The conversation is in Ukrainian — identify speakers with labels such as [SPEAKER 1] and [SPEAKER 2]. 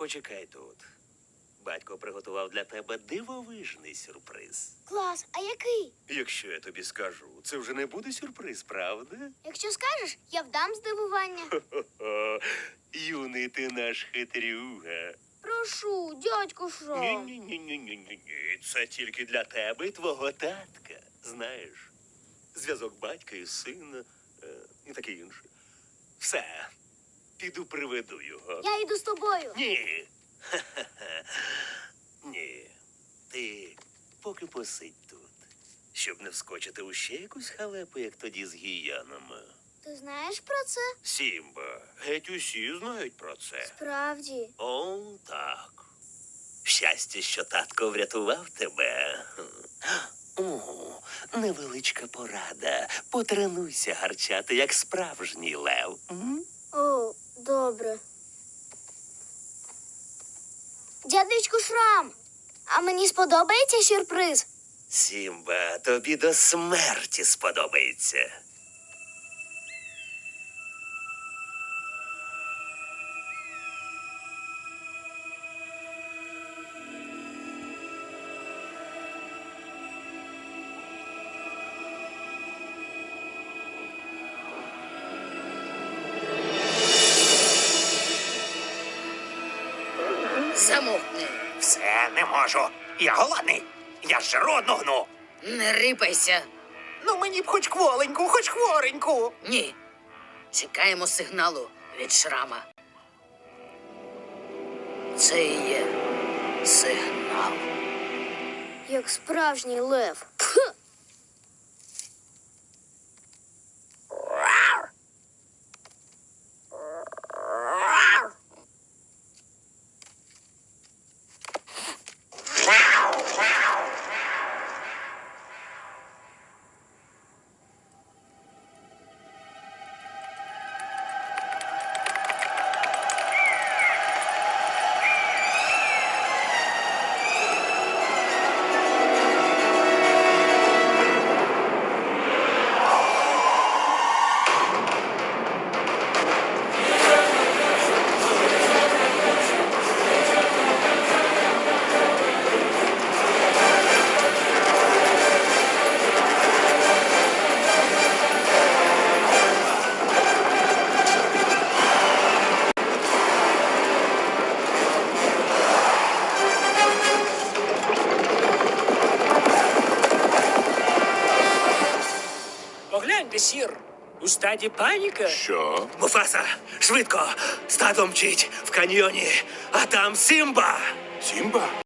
[SPEAKER 1] Почекай тут. Батько приготував для тебе дивовижний сюрприз.
[SPEAKER 2] Клас, а який?
[SPEAKER 1] Якщо я тобі скажу, це вже не буде сюрприз, правда?
[SPEAKER 2] Якщо скажеш, я вдам здивування.
[SPEAKER 1] Хо-хо. Юний ти наш хитрюга.
[SPEAKER 2] Прошу, дядьку Шрам.
[SPEAKER 1] Ні-ні-ні-ні-ні-ні. Це тільки для тебе і твого татка. Знаєш, зв'язок батька і сина і таке інше. Все, піду приведу його.
[SPEAKER 2] Я йду з тобою.
[SPEAKER 1] Ні. Ха-ха-ха. Ні. Ти поки посидь тут, щоб не вскочити у ще якусь халепу, як тоді з гіянами.
[SPEAKER 2] Ти знаєш про це?
[SPEAKER 1] Сімба, геть усі знають про це.
[SPEAKER 2] Справді.
[SPEAKER 1] О, так. Щастя, що татко врятував тебе. О, невеличка порада. Потренуйся гарчати, як справжній лев. М?
[SPEAKER 2] О, добре. Дядечку Шрам, а мені сподобається сюрприз?
[SPEAKER 1] Сімба, тобі до смерті сподобається.
[SPEAKER 3] Замовкни.
[SPEAKER 4] Все, не можу. Я голодний. Я ж жиру гну.
[SPEAKER 3] Не рипайся.
[SPEAKER 4] Ну мені б хоч кволеньку, хоч хвореньку.
[SPEAKER 3] Ні. Чекаємо сигналу від Шрама. Це і є сигнал.
[SPEAKER 2] Як справжній лев. Пх!
[SPEAKER 5] Погляньте, сір. У стаді паніка.
[SPEAKER 1] Що? Муфаса, швидко! Стадо мчить в каньйоні, а там Сімба!
[SPEAKER 6] Сімба?